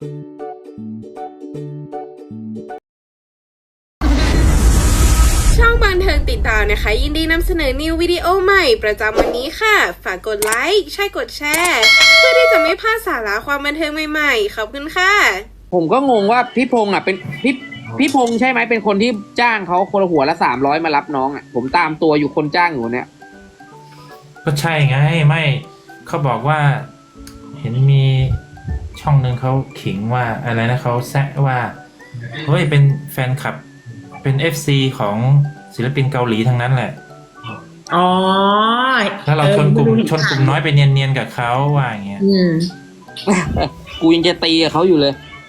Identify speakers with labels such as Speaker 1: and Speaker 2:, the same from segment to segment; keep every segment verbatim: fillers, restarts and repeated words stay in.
Speaker 1: ช่องบันเทิงติดตามนะคะยินดีนำเสนอนิววิดีโอใหม่ประจำวันนี้ค่ะฝากกดไลค์ใช่กดแชร์เพื่อที่จะไม่พลาดสาระความบันเทิงใหม่ๆขอบคุณค่ะ
Speaker 2: ผมก็งงว่าพี่พงษ์อ่ะเป็นพี่พี่พงษ์ใช่ไหมเป็นคนที่จ้างเขาคนละหัวละสามร้อยมารับน้องอ่ะผมตามตัวอยู่คนจ้างอยู่เนี่ย
Speaker 3: ก็ใช่ไงไม่เขาบอกว่าเห็นมีช่องหนึ่งเขาขิงว่าอะไรนะเขาแซะว่าเฮ้ยเป็นแฟนคลับเป็น เอฟ ซี ของศิลปินเกาหลีทั้งนั้นแหละ
Speaker 4: อ๋อ
Speaker 3: แล้วเราชนกลุ่มชนกลุ่มน้อยไปเนียนๆกับเขาว่าอย่างเงี้ย
Speaker 4: อืม
Speaker 2: กูยังจะตีกับเขาอยู่เลย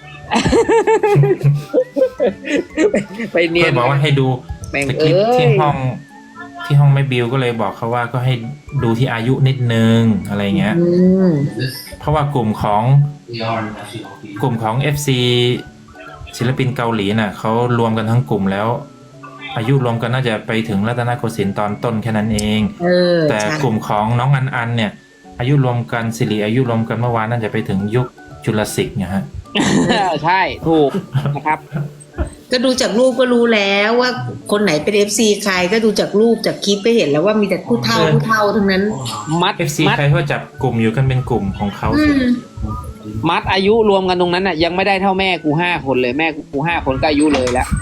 Speaker 2: ไปเนียน
Speaker 3: บอกว่าให้ดูสคริปต์ที่ห้องที่ห้องแม่บิวก็เลยบอกเขาว่าก็ให้ดูที่อายุนิดนึงอะไรเงี้ยเพราะว่ากลุ่มของกลุ่มของ เอฟ ซี ศิลปินเกาหลีน่ะเขารวมกันทั้งกลุ่มแล้วอายุรวมกันน่าจะไปถึงรัตนโกสินทร์ตอนต้นแค่นั้นเองแต่กลุ่มของน้องอันอันเนี่ยอายุรวมกันสิริอายุรวมกันเมื่อวานน่าจะไปถึงยุคจุลศิษย์เนี่ยฮะ
Speaker 2: ใช่ถูกนะครับ
Speaker 4: ก็ดูจากรูปก็รู้แล้วว่าคนไหนเป็น เอฟ ซี ใครก็ดูจากรูปจากคลิปก็เห็นแล้วว่ามีแต่ผู้เฒ่าผู้เฒ่าทั้งนั้น
Speaker 2: มัด
Speaker 3: เอฟ ซี ใครเขาจับกลุ่มอยู่กันเป็นกลุ่มของเขา
Speaker 2: มัดอายุรวมกันตรงนั้นน่ะยังไม่ได้เท่าแม่กูห้าคนเลยแม่กูห้าคนก็อายุเลยแล้ว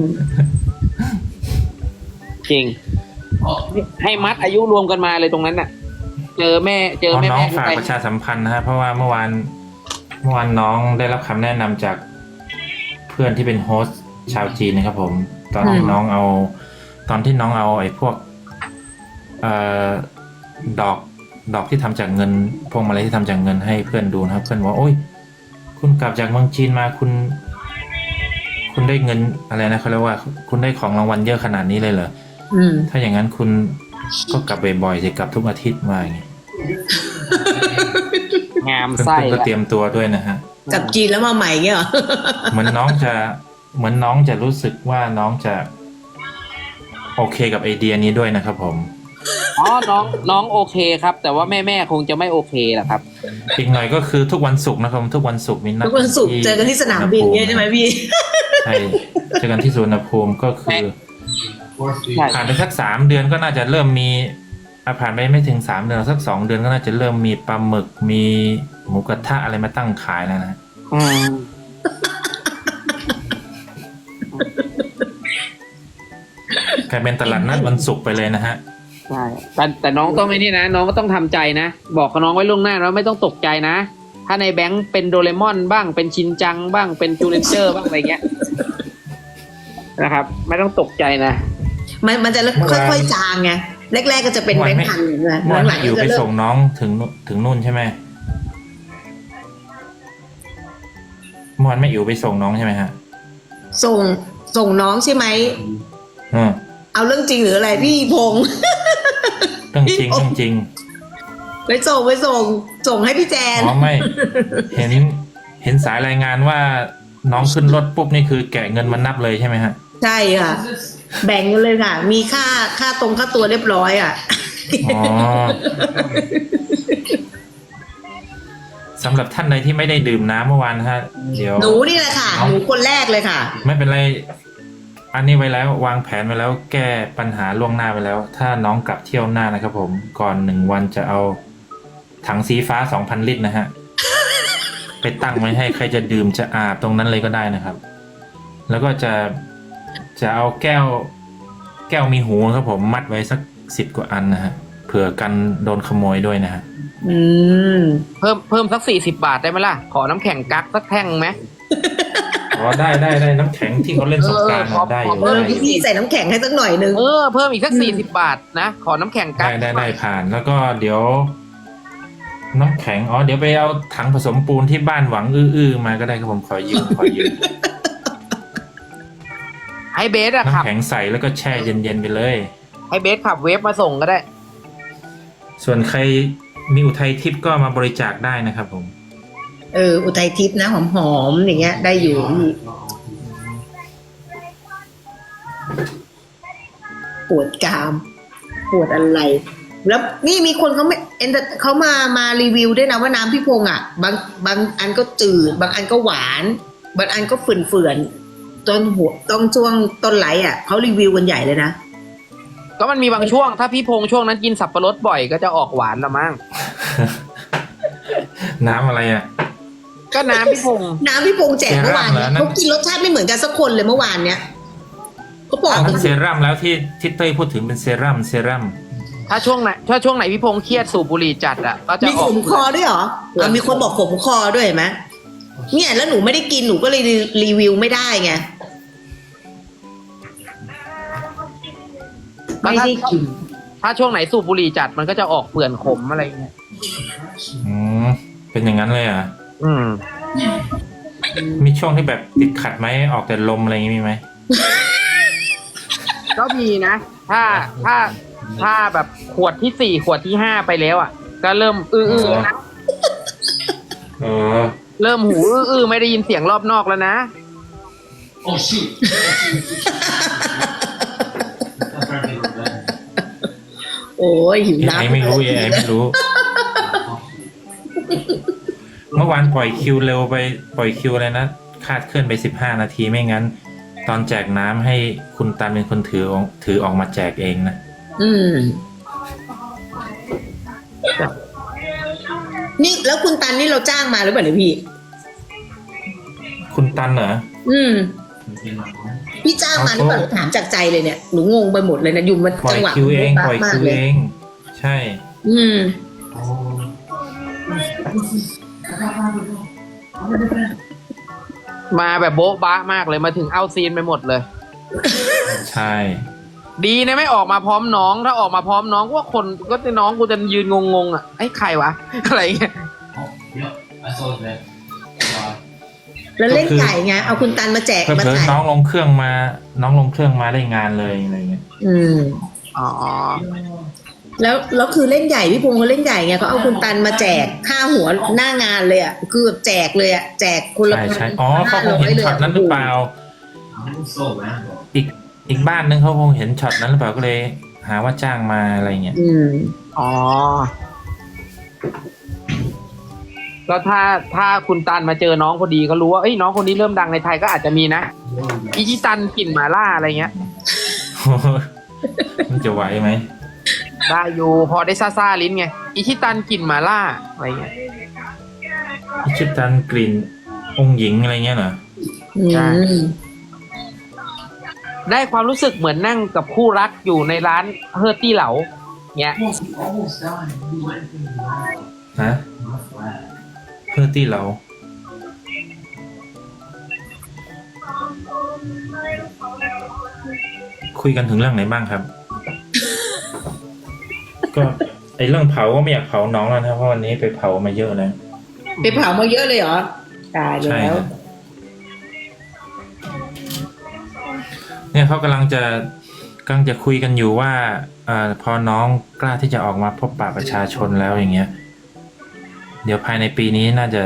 Speaker 2: จริงให้มัดอายุรวมกันมาเลยตรงนั้นน่ะเจอแม่เจอแม่
Speaker 3: น้องฝากประชาสัมพันธ์นะฮะเพราะว่าเมื่อวานเมื่อวานน้องได้รับคำแนะนำจากเพื่อนที่เป็นโฮสต์ชาวจีนนะครับผมตอนที่น้องเอาตอนที่น้องเอาไอ้พวกเอ่อดอกดอกที่ทำจากเงินพวงมาลัยที่ทำจากเงินให้เพื่อนดูนะครับเพื่อนบอกโอ้ยคุณกลับจากเมืองจีนมาคุณคุณได้เงินอะไรนะเขาเรียกว่าคุณได้ของรางวัลเยอะขนาดนี้เลยเหรอถ้าอย่างนั้นคุณก็กลับบ่อยๆสิกลับทุกอาทิตย์มาอย่างงี้
Speaker 2: งามไส้
Speaker 3: ก็เตรียมตัวด้วยนะฮะ
Speaker 4: กลับจีนแล้วมาใหม่เงี้ยเหรอ
Speaker 3: เหมือนน้องจะเหมือนน้องจะรู้สึกว่าน้องจะโอเคกับไอเดียนี้ด้วยนะครับผม
Speaker 2: อ๋อน้องน้องโอเคครับแต่ว่าแม่แม่คงจะไม่โอเคแหละครับ
Speaker 3: อีกหน่อยก็คือทุกวันศุกร์นะครับทุกวันศุกร์มีนัด
Speaker 4: ทุกวันศุกร์เจอกันที่สนามบินเนี่ยใช่ไหมพี่
Speaker 3: ใช่เจอกันที่สุวรรณภูมิก็คือผ่านไปสักสามเดือนก็น่าจะเริ่มมีผ่านไปไม่ถึงสามเดือนสักสองเดือนก็น่าจะเริ่มมีปลาหมึกมีหมูกระทะอะไรมาตั้งขายแล้วนะกลายเป็นตลาดนัดวันศุกร์ไปเลยนะฮะ
Speaker 2: ใช่แต่แต่น้องต้องไม่นี่นะน้องก็ต้องทำใจนะบอกกับน้องไว้ล่วงหน้าแล้วไม่ต้องตกใจนะถ้าในแบงค์เป็นโดเรมอนบ้างเป็นชินจังบ้างเป็นจูเลนเจอร์บ้างอะไรเงี้ยนะครับไม่ต้องตกใจนะ
Speaker 4: มันมันจะค่อยๆจางไงแรกๆก็จะเป็นแบงค์พันเลยนะ
Speaker 3: หลังๆอยู่ไปส่งน้องถึงถึงนู่นใช่ไหมเมื่อวานแม่อิ๋วไปส่งน้องใช่ไหมฮะ
Speaker 4: ส่งส่งน้องใช่ไหม
Speaker 3: อืม
Speaker 4: เอาเรื่องจริงหรืออะไรพี่พงษ์
Speaker 3: เรื่องจริงเรื่องจริง
Speaker 4: ไปส่งไปส่งส่งให้พี่แจน
Speaker 3: อ๋อไม่เห็นเห็นสายรายงานว่าน้องขึ้นรถปุ๊บนี่คือแกะเงินมานับเลยใช่ไหมฮะ
Speaker 4: ใช่ค่ะแบ่งกันเลยค่ะมีค่าค่าตรงค่าตัวเรียบร้อยอ่ะ
Speaker 3: อ๋อสำหรับท่านใดที่ไม่ได้ดื่มน้ำเมื่อวานฮะเดี๋ยว
Speaker 4: หนูนี่แหละค่ะหนูคนแรกเลยค่ะ
Speaker 3: ไม่เป็นไรอันนี้ไว้แล้ววางแผนไว้แล้วแก้ปัญหาล่วงหน้าไปแล้วถ้าน้องกลับเที่ยวหน้านะครับผมก่อนหนึ่งวันจะเอาถังสีฟ้าสองพันลิตรนะฮะไปตั้งไว้ให้ใครจะดื่มจะอาบตรงนั้นเลยก็ได้นะครับแล้วก็จะจะเอาแก้วแก้วมีหูครับผมมัดไว้สักสิบกว่าอันนะฮะเผื่อกันโดนขโมยด้วยนะฮะ
Speaker 2: อืมเพิ่มเพิ่มสักสี่สิบบาทได้ไหมล่ะขอน้ำแข็งกั๊กสักแท่งไหม
Speaker 3: อ๋อได้ได้ได้น้ำแข็งที่เขาเล่นสงกรานต์ได้อยู่
Speaker 4: เพิ่มพี่ใส่น้ำแข็งให้สักหน่อยนึง
Speaker 2: เออเพิ่มอีกสักสี่สิบบาทนะขอน้ำแข็งกั๊ก
Speaker 3: ได้ได้ได้ผ่านแล้วก็เดี๋ยวน้ำแข็งอ๋อเดี๋ยวไปเอาถังผสมปูนที่บ้านหวังอื้อๆมาก็ได้ครับผมขอยืมขอยืม
Speaker 2: ให้เบสอะขับ
Speaker 3: น้ำแข็งใส่แล้วก็แช่เย็นๆไปเลย
Speaker 2: ให้เบสขับเวฟมาส่งก็ได้
Speaker 3: ส่วนใครมีอุทัยทิพย์ก็มาบริจาคได้นะครับผม
Speaker 4: เอออุทัยทิพย์นะหอมๆอย่างเงี้ยได้อยู่ปวดกรามปวดอะไรแล้วนี่มีคนเขาไม่เอ็นเขามามารีวิวด้วยนะว่าน้ำพี่พงษ์อ่ะบางบางอันก็จืดบางอันก็หวานบางอันก็ฝืนเฟื่อนๆต้นหัวต้องช่วงต้นไหลอ่ะเขารีวิวกันใหญ่เลยนะ
Speaker 2: ก็มันมีบางช่วงถ้าพี่พงษ์ช่วงนั้นกินสับปะรดบ่อยก็จะออกหวานละมั้ง
Speaker 3: น้ำอะไรอ่ะ
Speaker 2: ก็น้ำพี่พงษ์
Speaker 4: น้ำพี่พงษ์แจกเมื่อวาน
Speaker 3: เซรั่มเหรอนั่น
Speaker 4: เขากินรสชาติไม่เหมือนกันสักคนเลยเมื่อวานเนี้ยเขาบอก
Speaker 3: อันนั้นเซรั่มแล้วที่ที่เต้ยพูดถึงเป็นเซรั่มเซรั่ม
Speaker 2: ถ้าช่วงไหนถ้าช่วงไหนพี่พงษ์เครียดสูบบุหรี่จัดอ่ะก็จะ
Speaker 4: มี
Speaker 2: อ
Speaker 4: ข
Speaker 2: อก
Speaker 4: มคอด้วยเหรออ่ะมีคนบอกขมคอด้วยเห็นไหมเนี่ยแล้วหนูไม่ได้กินหนูก็เลยรีวิวไม่ได้ไงไม่ได้กิน
Speaker 2: ถ้าช่วงไหนสูบบุหรี่จัดมันก็จะออกเปื่อนขมอะไรเงี้ย
Speaker 3: อืมเป็นอย่างนั้นเลยเหรอ่ะ
Speaker 2: อืม
Speaker 3: มีช่วงที่แบบติดขัดไหมออกแต่ลมอะไรอย่างงี้มีไหม
Speaker 2: ก็มีนะ ถ้าถ้าถ้าแบบขวดที่สี่ขวดที่ห้าไปแล้วอ่ะ ก็เริ่มอื้อๆนะ
Speaker 3: เออ
Speaker 2: เริ่มหูอื้อๆไม่ได้ยินเสียงรอบนอกแล้วนะ
Speaker 5: Oh shoot!
Speaker 4: โอ้ยหิว
Speaker 3: ไอ
Speaker 4: น้ำ
Speaker 3: ไม่รู้ไอไม่รู้ เมื่อวานปล่อยคิวเร็วไปปล่อยคิวอะไรนะคาดเคลื่อนไปสิบห้านาทีไม่งั้น ตอนแจกน้ำให้คุณตันเป็นคนถือถือออกมาแจกเองนะ
Speaker 4: อืมนี่แล้วคุณตันนี่เราจ้างมาหรือเปล่าเนี่ยพี่
Speaker 3: คุณตันเหรอ
Speaker 4: อืม พี่จ้างมาหรือเปล่าถามจากใจเลยเนี่ยหนูงงไปหมดเลยนะอยู่มัน
Speaker 3: ปล่อ
Speaker 4: จั
Speaker 3: ย
Speaker 4: งหวะ
Speaker 3: คิวเองปล่อย
Speaker 4: มาก
Speaker 3: คิว
Speaker 4: เลย
Speaker 3: เอง ใช่
Speaker 4: อืม
Speaker 2: มาแบบโบ๊ะบ้ามากเลยมาถึงเอาซีนไปหมดเลย
Speaker 3: ใช่
Speaker 2: ดีนะไม่ออกมาพร้อมน้องถ้าออกมาพร้อมน้องก็ว่าคนก็จะน้องกูจะยืนงงๆอ่ะไอ้ใครวะ อะไรเงี้ย
Speaker 5: Oh, yep, I saw that. Uh,
Speaker 4: แล้วเล่นไก่ไงเอาคุณตันมาแจก
Speaker 3: เพิ่
Speaker 4: มา
Speaker 3: เพิ่
Speaker 4: ถ่าย
Speaker 3: น้องลงเครื่องมา น้องลงเครื่องมาได้งานเลยอะไรเงี้ย
Speaker 4: อืม
Speaker 2: อ๋อ
Speaker 4: แล้วแล้วคือเล่นใหญ่พี่พงษ์เขาเล่นใหญ่ไงเขาเอาคุณตันมาแจกค่าหัวหน้างานเลยอ่ะคือแบบแจกเลยอ่ะแจกคนละ
Speaker 3: ใช่ใช่อ๋อเขาคงเห็นช็อตนั้นหรือเปล่า
Speaker 5: I'm so random.
Speaker 3: อีกอีกบ้านนึงเขาคงเห็นช็อตนั้นหรือเปล่าก็เลย หาว่าจ้างมาอะไรเงี้ย
Speaker 4: อืม
Speaker 2: อ๋อแล้วถ้าถ้าคุณตันมาเจอน้องพอดีก็รู้ว่าเอ้ยน้องคนนี้เริ่มดังในไทยก็อาจจะมีนะอีชิตันกลิ่นหมาล่าอะไรเงี้ย
Speaker 3: มันจะไหวไหม
Speaker 2: ได้อยู่พอได้ซ่าซ่าๆลิ้นไงอีชิตันกลิ่นหมาล่าอะไรเงี้ย
Speaker 3: อิชิตันกลิ่นองค์หญิงอะไรเงี้ยเหรอ
Speaker 4: อื
Speaker 2: ใช่
Speaker 4: ม
Speaker 2: ได้ความรู้สึกเหมือนนั่งกับคู่รักอยู่ในร้านเฮอร์ตี้เหลาเงี้ย
Speaker 5: Almost, almost died. You went in the wild.
Speaker 3: ฮะ
Speaker 5: Not flat.
Speaker 3: เพื่อที่เรา คุยกันถึงเรื่องไหนบ้างครับ ก็ไอเรื่องเผาก็ไม่อยากเผาน้องแล้วนะเพราะวันนี้ไปเผามาเยอะแล้ว
Speaker 4: ไปเผามาเยอะเลยเหรอตาย
Speaker 3: ใช่
Speaker 4: แล้ว
Speaker 3: ครับเนี่ยเขากำลังจะกำลังจะคุยกันอยู่ว่าเอ่อพอน้องกล้าที่จะออกมาพบปะประชาชนแล้วอย่างเงี้ย เดี๋ยวภายในปีนี้น่าจะ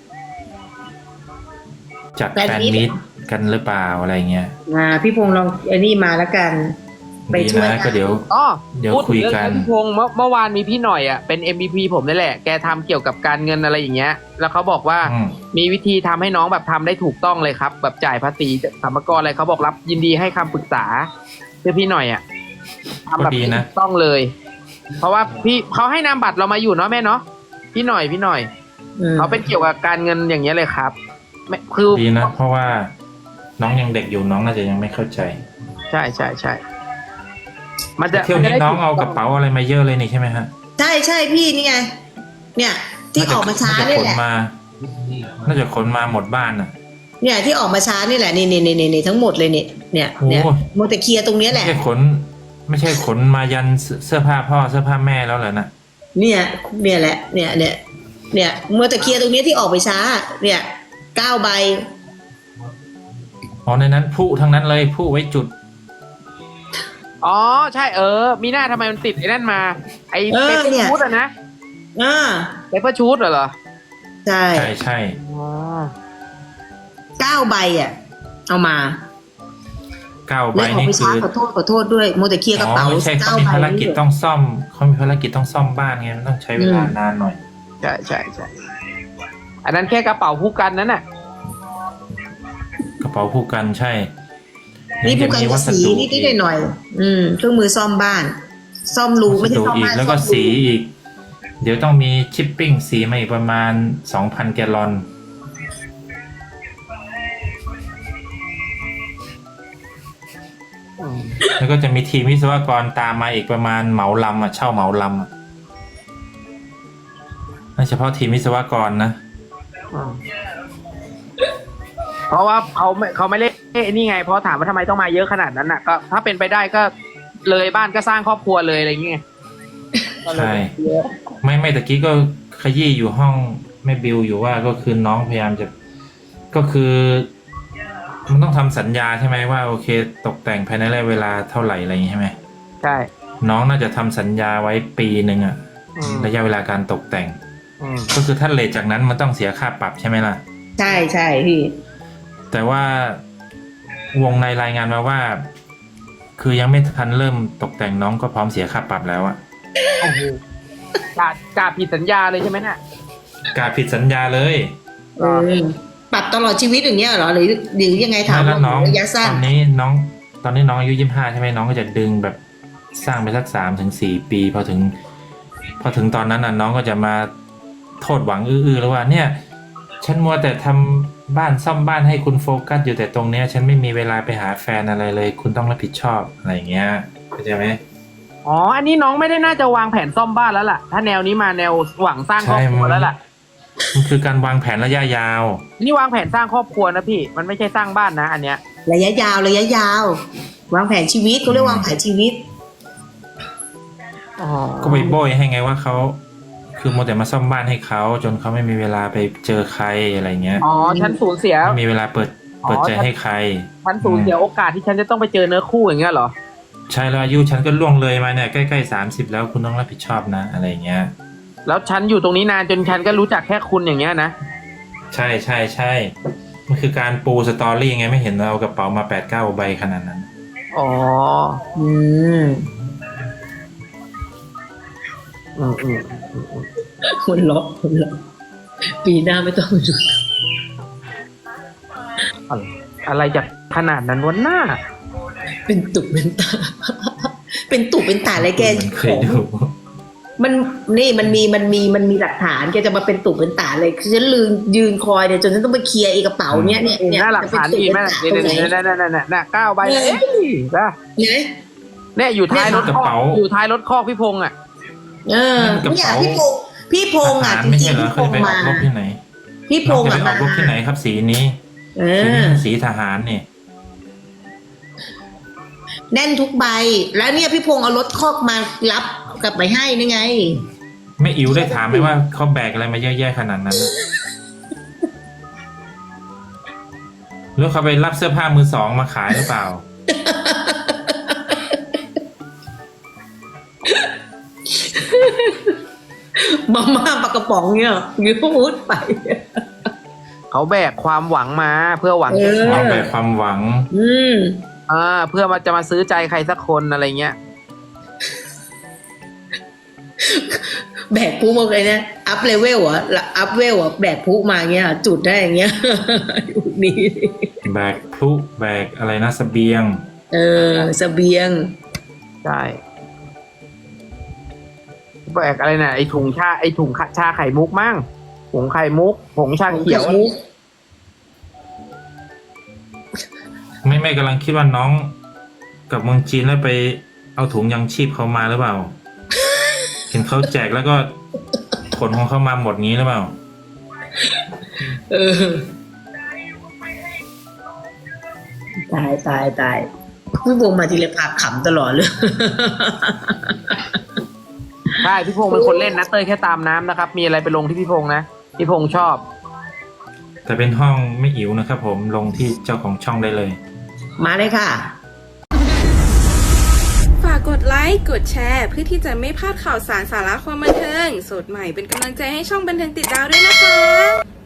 Speaker 3: จัดแฟนมิตกันหรือเปล่าอะไรเงี้ย
Speaker 4: อ่าพี่พงษ์ลองไอ้นี่มาแล้วกัน ไป
Speaker 3: ดี
Speaker 4: ช่วย
Speaker 3: นะก็เดี๋ยว
Speaker 2: อ๋อ
Speaker 3: เดี๋ยว
Speaker 2: พูดถึง
Speaker 3: คุย
Speaker 2: เรื่อง
Speaker 3: กัน
Speaker 2: พี่พงษ์เมื่อเมื่อวานมีพี่หน่อยอ่ะเป็น เอ็ม วี พี ผมนี่แหละแกทำเกี่ยวกับการเงินอะไรอย่างเงี้ย แล้วเขาบอกว่า
Speaker 3: อืม
Speaker 2: มีวิธีทำให้น้องแบบทำได้ถูกต้องเลยครับ แบบจ่ายภาษีสรรพากรอะไรเขาบอกรับยินดีให้คำปรึกษาเพื่อพี่หน่อยอ่ะทำแบบ
Speaker 3: ก็ดีนะ
Speaker 2: ถูกต้องเลย เพราะว่าพี่เขาให้นามบัตรเรามาอยู่เนาะแม่เนาะพี่หน่อยพี่หน่อย
Speaker 4: อืม
Speaker 2: เขาเป็นเกี่ยวกับการเงินอย่างเงี้ยเลยครับไม่คือ
Speaker 3: ดีนะ เพราะว่าน้องยังเด็กอยู่น้องน่าจะยังไม่เข้าใจ
Speaker 2: ใช่ใช่ใช่มันจะ
Speaker 3: เที่ยวนี้น้องเอากระเป๋าอะไรมาเยอะเลยนี่ใช่ไหมฮะ
Speaker 4: ใช่ใช่พี่นี่ไง เนี่ย ที่ออกมาช้า
Speaker 3: น่าจะ
Speaker 4: เนี่ย
Speaker 3: ขน
Speaker 4: แหละ
Speaker 3: มา น่าจะขนมาหมดบ้านอ่ะ
Speaker 4: เนี่ยที่ออกมาช้านี่แหละนี่นี่นี่นี่ทั้งหมดเลยเนี่ยเนี่ยเนี่ย
Speaker 3: โอ้ย
Speaker 4: โมวแต่เคลียร์ตรงเนี้ยแห
Speaker 3: ไม่
Speaker 4: ละ
Speaker 3: ใช่ขน ไม่ใช่ขนมายันเสื้อผ้าพ่อเสื้อผ้าแม่แล้วเหรอนะ
Speaker 4: เนี่ยเนี่ยแหละ เนี่ยเนี่ยเนี่ยโมวแต่เคลียร์ตรงเนี้ยที่ออกไปช้า เนี่ยเก้าใบ
Speaker 3: อ๋อในนั้นผู้ทั้งนั้นเลยผู้ไว้จุด
Speaker 2: อ๋อใช่เออ มีหน้าทำไมมันติดไอ้นั่นมา ไอ้
Speaker 4: เออ
Speaker 2: เปเปอ
Speaker 4: เนี่
Speaker 2: ร์
Speaker 4: ย
Speaker 2: ชูดอะนะ
Speaker 4: อ่า
Speaker 2: เปเปอร์ชูดเหรอ
Speaker 4: ใช่
Speaker 3: ใช่ใช่
Speaker 2: อ๋อ
Speaker 4: เก้าใบอ่ะ เอามา
Speaker 3: เก้าใบ
Speaker 4: แล้วออก
Speaker 3: นี่
Speaker 4: ไป
Speaker 3: คื
Speaker 4: ช้า
Speaker 3: อ
Speaker 4: ขอโทษขอโทษด้วยโมแต่เคลียร์กระ
Speaker 3: อ๋อ
Speaker 4: เป๋า
Speaker 3: ไม่ใช่เขา
Speaker 4: เก้า
Speaker 3: มี
Speaker 4: ใบ
Speaker 3: ภารกิจต้องซ่อมเขามีภารกิจต้องซ่อมบ้านไงมันต้องใช้เวลานานหน่อย
Speaker 2: ใช่ใช่ใช่อันนั้นแค่กระเป๋าผู้กันนั้นน่ะ
Speaker 3: กระเป๋าผู้กันใช่
Speaker 4: นี่ผู้
Speaker 3: จะ
Speaker 4: กัน
Speaker 3: มี
Speaker 4: ก็
Speaker 3: วัส
Speaker 4: สี
Speaker 3: ดุ
Speaker 4: นิดๆหน่อยๆอืมเครื่องมือซ่อมบ้าน ซ่อมรู
Speaker 3: วั
Speaker 4: ไม่
Speaker 3: ส
Speaker 4: ใช่
Speaker 3: ดุ
Speaker 4: ซ่อม
Speaker 3: อีก
Speaker 4: บ้าน
Speaker 3: แล้วก็
Speaker 4: ซ่อมรู
Speaker 3: สีอีก เดี๋ยวต้องมีชิปปิ้งสีมาอีกประมาณสองพันแกลลอน แล้วก็จะมีทีมวิศวกรตามมาอีกประมาณเหมาลำอ่ะเช่าเหมาลำอ่ะนั่นเฉพาะทีมวิศวกรนะ
Speaker 2: เพราะว่าเขาไม่เขาไม่เล่นนี่ไง เพราะถามว่าทำไมต้องมาเยอะขนาดนั้นน่ะก็ถ้าเป็นไปได้ก็เลยบ้านก็สร้างครอบครัวเลยอะไรอย่างเงี้ย
Speaker 3: ใช่ ไม่ไม่ตะกี้ก็ขยี้อยู่ห้องแม่บิวอยู่ว่าก็คือน้องพยายามจะก็คือ มันต้องทำสัญญาใช่ไหมว่าโอเค ตกแต่งภายในระยะเวลาเท่าไหร่อะไรอย่างงี้ใช่ไหม
Speaker 2: ใช่
Speaker 3: น้องน่าจะทำสัญญาไว้ปีหนึ่งอะ
Speaker 2: อืม
Speaker 3: ระยะเวลาการตกแต่ง
Speaker 2: อืม
Speaker 3: ก็คือถ้าเลทจากนั้นมันต้องเสียค่าปรับใช่ไหมล่ะ
Speaker 4: ใช่ใช่พี่
Speaker 3: แต่ว่าวงในรายงานมาว่า คือยังไม่ทันเริ่มตกแต่งน้องก็พร้อมเสียค่าปรับแล้วอะ
Speaker 2: โอ้โหกาดกาดผิดสัญญาเลยใช่ไหมน่ะ
Speaker 3: การผิดสัญญาเลย
Speaker 4: เออปรับตลอดชีวิตอย่างเงี้ยเหรอหรือหรือยังไงถาม
Speaker 3: ไม่แล้ว
Speaker 4: ว่า
Speaker 3: น้อง
Speaker 4: ระยะ
Speaker 3: ต
Speaker 4: สั้น
Speaker 3: อนนี้น้อง ตอนนี้น้องอายุยี่สิบห้าใช่ไหมน้องก็จะดึงแบบสร้างไปสักสามถึงสี่ปีพอถึง พอถึงตอนนั้นน่ะน้องก็จะมาโทษหวังอื้อๆแล้วว่า เนี่ย ฉันมัวแต่ทำบ้านซ่อมบ้านให้คุณโฟกัสอยู่แต่ตรงเนี้ย ฉันไม่มีเวลาไปหาแฟนอะไรเลย คุณต้องรับผิดชอบอะไรอย่างเงี้ยเข้าใจไหม
Speaker 2: อ๋ออันนี้น้องไม่ได้น่าจะวางแผนซ่อมบ้านแล้วล่ะถ้าแนวนี้มาแนวหวังสร้างครอบครัวแล้วล่ะ
Speaker 3: มันคือการวางแผนระยะยาว
Speaker 2: นี่วางแผนสร้างครอบครัวนะพี่มันไม่ใช่สร้างบ้านนะอันเนี้ย
Speaker 4: ระยะยาวระยะยาว วางแผนชีวิตเขาเรียกวางแผนชีวิต
Speaker 2: อ๋อ
Speaker 3: ก็ไปโบยให้ไงว่าเขาคือโมวแต่มาซ่อมบ้านให้เขาจนเขาไม่มีเวลาไปเจอใครอะไรเงี้ย
Speaker 2: อ๋อฉันสูญเสีย
Speaker 3: ไม่มีเวลาเปิดเปิดใจให้ใคร
Speaker 2: ฉันสูญเสียโอกาสที่ฉันจะต้องไปเจอเนื้อคู่อย่างเงี้ยเหรอ
Speaker 3: ใช่แล้วอายุฉันก็ล่วงเลยมาเนี่ยใกล้ๆสามสิบแล้วคุณต้องรับผิดชอบนะอะไรเงี้ย
Speaker 2: แล้วฉันอยู่ตรงนี้นานจนฉันก็รู้จักแค่คุณอย่างเงี้ยนะ
Speaker 3: ใช่ใช่ใช่มันคือการปูสตอรี่ไงไม่เห็นเราเอากระเป๋ามาแปดเก้าใบขนาดนั้น
Speaker 2: อ๋อ
Speaker 4: อืม
Speaker 2: อืมอืม
Speaker 4: คนล็อกคนล็อกปีหน้าไม่ต้องมาดู
Speaker 2: อะไรอะไรจะขนาดนั้นวะหน้า
Speaker 4: เป็นตุเป็นตา เป็นตุเป็นตาอะไรแก
Speaker 3: มันเค
Speaker 4: ข
Speaker 3: ย
Speaker 4: อง
Speaker 3: ดู
Speaker 4: มันนี่มันมีมันมีมันมีหลักฐานแกจะมาเป็นตุเป็นตาเลยคือฉันลืมยืนคอยเนี่ยจนฉันต้องไปเคลียร์ไอ้กระเป๋าเนี้ยเนี่ย
Speaker 2: เห็น
Speaker 4: เนี่ย
Speaker 2: หน้าหลักฐานดีไหม
Speaker 4: จะ
Speaker 2: เนี่
Speaker 4: เป็
Speaker 2: ย
Speaker 4: นตุเป็นตาตรงไหน
Speaker 2: เนี่ยเนี่ยเนี่ยเนี่ยเนี่ยเก้าใบเอ้ยนะ
Speaker 4: เนี่ย
Speaker 2: เนี่ยอยู่ท้ายรถ
Speaker 3: กระ
Speaker 2: คอก
Speaker 3: เป๋า
Speaker 2: อยู่ท้ายรถคอกพี่พงษ์อ่ะ
Speaker 4: เออ
Speaker 3: นั่นกระ
Speaker 4: เนี่ย
Speaker 3: เป๋า
Speaker 4: พี่พงษ์พี่พงษ์อ่ะ
Speaker 3: ทหาร
Speaker 4: จ
Speaker 3: ไม่
Speaker 4: ริ
Speaker 3: ใช่
Speaker 4: งๆ
Speaker 3: เหรอ
Speaker 4: พี่
Speaker 3: เค
Speaker 4: พ
Speaker 3: ย
Speaker 4: ง
Speaker 3: ไป
Speaker 4: ษ์
Speaker 3: อ
Speaker 4: มา
Speaker 3: อกรบที่ไหน
Speaker 4: พี่พ
Speaker 3: น้อง
Speaker 4: งษ์
Speaker 3: จะ
Speaker 4: อ่ะ
Speaker 3: ไปออกรบที่ไหนครับสีนี้
Speaker 4: เอ
Speaker 3: สีนี้
Speaker 4: อ
Speaker 3: มันสีทหารนี่
Speaker 4: แน่นทุกใบ แล้วเนี่ยพี่พงษ์เอารถคอกมารับกลับไปให้นี่ไง
Speaker 3: ไม่อิ๋วได้ถามไหมว่าเขาแบกอะไรมาเยอะแยะขนาดนั้นน่ะหรือเขาไปรับเสื้อผ้ามือสองมาขายหรือเปล่า
Speaker 4: มาม่าปลากระป๋องเนี่ยยืมมุดไป
Speaker 2: เขาแบกความหวังมาเพื่อหวัง
Speaker 4: เออ
Speaker 3: เอาแบบความหวัง
Speaker 4: อืม
Speaker 2: อ่าเพื่อมาจะมาซื้อใจใครสักคนอะไรเงี้ย
Speaker 4: แบกพุมาเลยนะอัพเลเวลอ่ะอัพเวลอ่ะแบกพุมาเงี้ย จุดได้อย่างเงี้ย ยุคนี้
Speaker 3: แบกพลุแบกอะไรนะเสบียง
Speaker 4: เออเสบียง
Speaker 2: ใช่แบกอะไรน่ะไอถุงชาไอถุงชาไข่มุกมั่งผงไข่มุกผงชาเขียว
Speaker 4: มุก
Speaker 3: ไม่ไม่กำลังคิดว่าน้องกับเมืองจีนแล้วไปเอาถุงยังชีพเขามาหรือเปล่า เห็นเขาแจกแล้วก็ขนของเขามาหมดงี้หรือเปล่า
Speaker 4: เออ ตายตายตายพี่วงมาทีละพาขำตลอดเลย
Speaker 2: ใช่พี่พงษ์เป็นคนเล่นนะเต้ยแค่ตามน้ำนะครับ มีอะไรไปลงที่พี่พงษ์นะพี่พงษ์ชอบ
Speaker 3: แต่เป็นห้องไม่อิ๋วนะครับผมลงที่เจ้าของช่องได้เลย
Speaker 4: มาเลยค่ะ
Speaker 1: ฝากกดไลค์ กดแชร์ เพื่อที่จะไม่พลาดข่าวสารสาระความบันเทิง สดใหม่เป็นกำลังใจให้ช่องบันเทิงติดดาวด้วยนะคะ